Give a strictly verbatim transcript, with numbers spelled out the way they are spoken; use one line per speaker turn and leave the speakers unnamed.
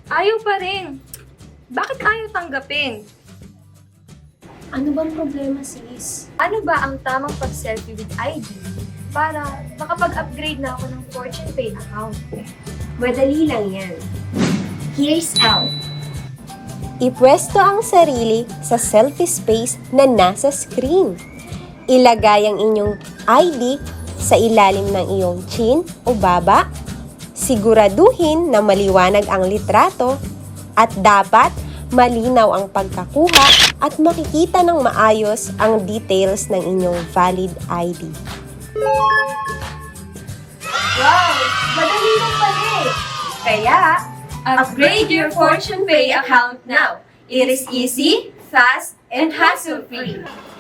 Ayaw pa rin. Bakit ayaw tanggapin?
Ano bang problema, sis?
Ano ba ang tamang pag-selfie with I D para makapag-upgrade na ako ng Fortune Pay account?
Madali lang yan. Here's how.
Ipwesto ang sarili sa selfie space na nasa screen. Ilagay ang inyong I D sa ilalim ng iyong chin o baba. Siguraduhin na maliwanag ang litrato at dapat malinaw ang pagkakuha at makikita ng maayos ang details ng inyong valid I D.
Wow! Madali lang pala eh. Kaya, upgrade your Fortune Pay account now. It is easy, fast, and hassle-free.